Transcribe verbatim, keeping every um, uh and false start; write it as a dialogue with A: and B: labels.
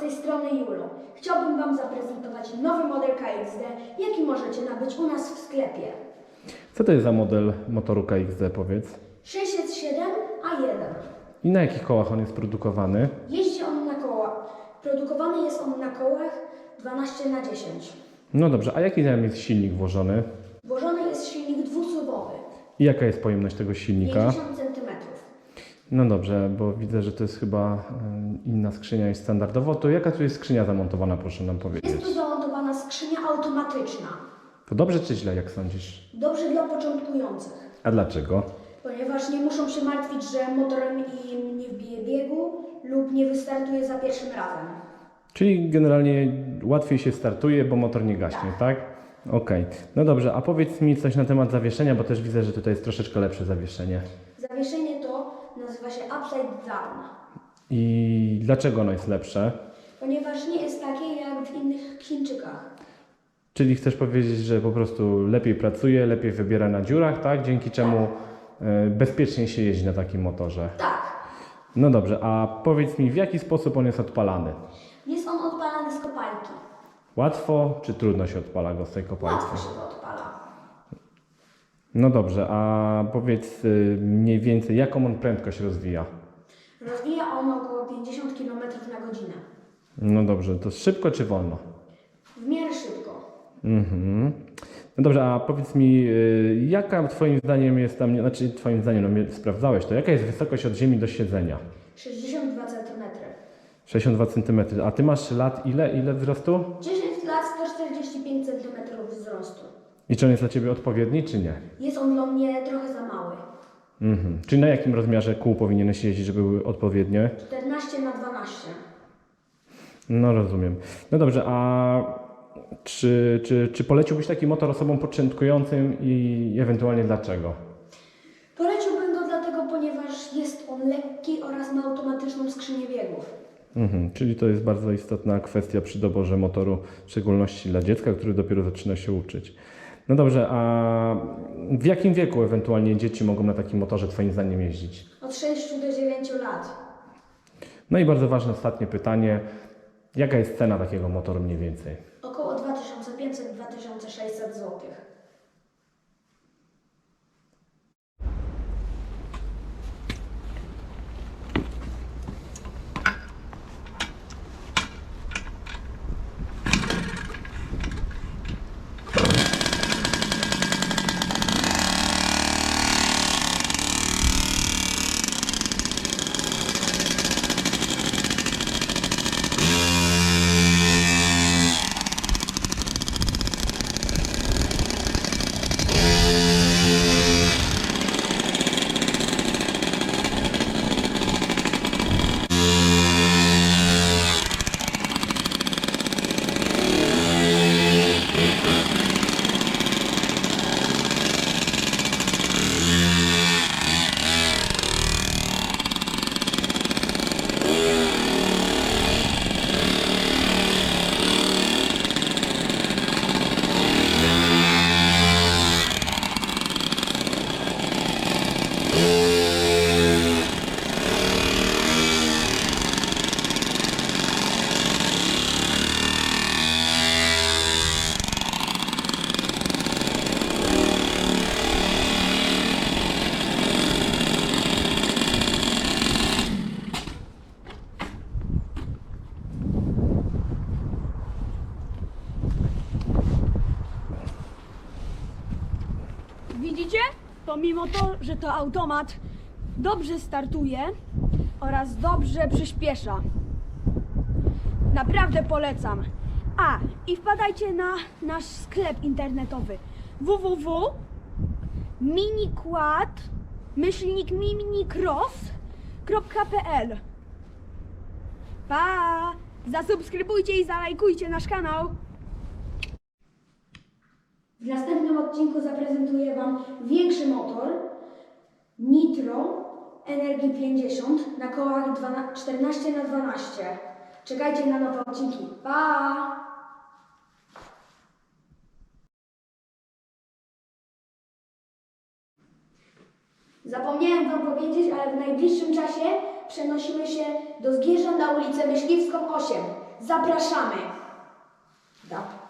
A: tej strony Julo. Chciałbym Wam zaprezentować nowy model K X D, jaki możecie nabyć u nas w sklepie.
B: Co to jest za model motoru K X D, powiedz?
A: sześćset siedem A jeden.
B: I na jakich kołach on jest produkowany?
A: Jeździ on na kołach. Produkowany jest on na kołach dwanaście na dziesięć.
B: No dobrze, a jaki tam jest silnik włożony?
A: Włożony jest silnik dwusuwowy.
B: I jaka jest pojemność tego silnika?
A: pięćdziesiąt centymetrów.
B: No dobrze, bo widzę, że to jest chyba em, inna skrzynia niż standardowo. To jaka tu jest skrzynia zamontowana, proszę nam powiedzieć?
A: Jest tu zamontowana skrzynia automatyczna.
B: To dobrze czy źle, jak sądzisz?
A: Dobrze dla początkujących,
B: A dlaczego?
A: ponieważ nie muszą się martwić, że motorem im nie wbije biegu lub nie wystartuje za pierwszym razem.
B: Czyli generalnie łatwiej się startuje, bo motor nie gaśnie, tak? Okej. No dobrze, a powiedz mi coś na temat zawieszenia, bo też widzę, że tutaj jest troszeczkę lepsze zawieszenie.
A: Zawieszenie to nazywa się upside down,
B: I dlaczego ono jest lepsze?
A: ponieważ nie jest takie jak w innych Chińczykach.
B: Czyli chcesz powiedzieć, że po prostu lepiej pracuje, lepiej wybiera na dziurach, tak? Dzięki czemu e, bezpiecznie się jeździ na takim motorze.
A: Tak,
B: No dobrze, a powiedz mi, w jaki sposób on jest odpalany?
A: jest on odpalany z kopalki.
B: Łatwo czy trudno się odpala go z tej kopalki?
A: Łatwo się to odpala.
B: No dobrze, a powiedz y, mniej więcej, jaką on prędkość rozwija?
A: Rozwija on około pięćdziesiąt kilometrów na godzinę.
B: No dobrze, to szybko czy wolno?
A: W miarę szybko.
B: Mhm. No dobrze, a powiedz mi, y, jaka twoim zdaniem jest tam, znaczy twoim zdaniem, no mnie sprawdzałeś to, jaka jest wysokość od ziemi do siedzenia?
A: sześćdziesiąt dwa centymetry.
B: sześćdziesiąt dwa centymetry. A ty masz lat ile? Ile wzrostu?
A: dziesięć lat, sto czterdzieści pięć centymetrów wzrostu.
B: I czy on jest dla ciebie odpowiedni, czy nie?
A: Jest on dla mnie trochę za mały.
B: Mhm. Czyli na jakim rozmiarze kół powinieneś jeździć, żeby były odpowiednie?
A: czternaście na dwanaście.
B: No rozumiem. No dobrze, a czy, czy, czy poleciłbyś taki motor osobom początkującym i ewentualnie dlaczego?
A: Poleciłbym go dlatego, ponieważ jest on lekki oraz ma automatyczną skrzynię biegów.
B: Mhm. Czyli to jest bardzo istotna kwestia przy doborze motoru, w szczególności dla dziecka, który dopiero zaczyna się uczyć. No dobrze, a w jakim wieku ewentualnie dzieci mogą na takim motorze twoim zdaniem jeździć?
A: Od sześciu do dziewięciu lat.
B: No i bardzo ważne ostatnie pytanie. Jaka jest cena takiego motoru mniej więcej?
A: Około dwa tysiące pięćset do dwa tysiące sześćset złotych.
C: Widzicie? Pomimo to, że to automat dobrze startuje oraz dobrze przyspiesza. Naprawdę polecam. A, i wpadajcie na nasz sklep internetowy w w w kropka miniquad myślnik minicross kropka p l. Pa! Zasubskrybujcie i zalajkujcie nasz kanał.
A: W następnym odcinku zaprezentuję Wam większy motor Nitro Energii pięćdziesiąt na kołach czternaście na dwanaście. Czekajcie na nowe odcinki. Pa! Zapomniałem Wam powiedzieć, ale w najbliższym czasie przenosimy się do Zgierza na ulicę Myśliwską osiem. Zapraszamy. Da.